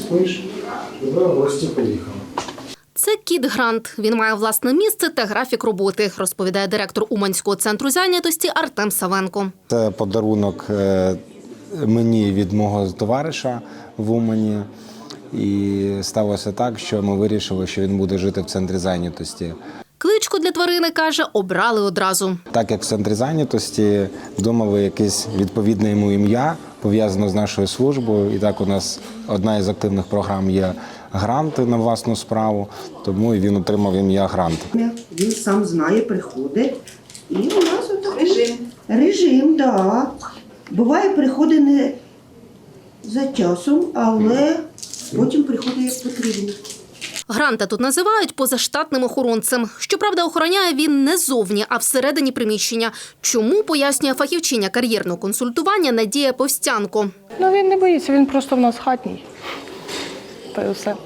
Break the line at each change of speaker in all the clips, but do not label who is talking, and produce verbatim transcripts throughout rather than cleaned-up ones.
спиш, і ви в гості поїхали.
Це кіт Грант. Він має власне місце та графік роботи, розповідає директор Уманського центру зайнятості Артем Савенко.
Це подарунок мені від мого товариша в Умані. І сталося так, що ми вирішили, що він буде жити в центрі зайнятості.
Кличку для тварини, каже, обрали одразу.
Так як в центрі зайнятості думали якесь відповідне йому ім'я, пов'язане з нашою службою. І так у нас одна із активних програм є гранти на власну справу, тому і він отримав ім'я Грант.
Він сам знає, приходить. І у нас отак режим. Режим, так. Да. Буває, приходить не за часом, але потім приходить як потрібно.
Гранта тут називають позаштатним охоронцем. Щоправда, охороняє він не зовні, а всередині приміщення. Чому, пояснює фахівчиня кар'єрного консультування Надія Повстянко.
Ну, він не боїться, він просто в нас хатній. Та й все.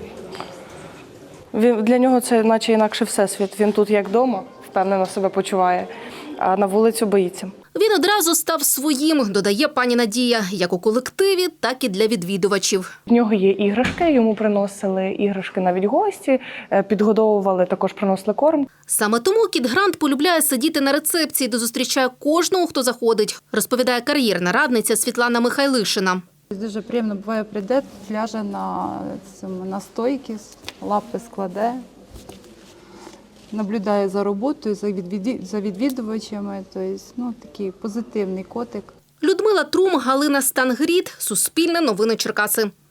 Він, для нього це наче інакше всесвіт. Він тут як вдома, впевнено себе почуває, а на вулицю боїться.
Він одразу став своїм, додає пані Надія, як у колективі, так і для відвідувачів.
В нього є іграшки, йому приносили іграшки навіть гості, підгодовували, також приносили корм.
Саме тому кіт Грант полюбляє сидіти на рецепції, де зустрічає кожного, хто заходить, розповідає кар'єрна радниця Світлана Михайлишина.
Дуже приємно буває, прийде, ляже на, цьому, на стойки, лапи складе, наблюдає за роботою, за, відвід... за відвідувачами. Тобто, ну, такий позитивний котик.
Людмила Трум, Галина Стангрід, Суспільне новини Черкаси.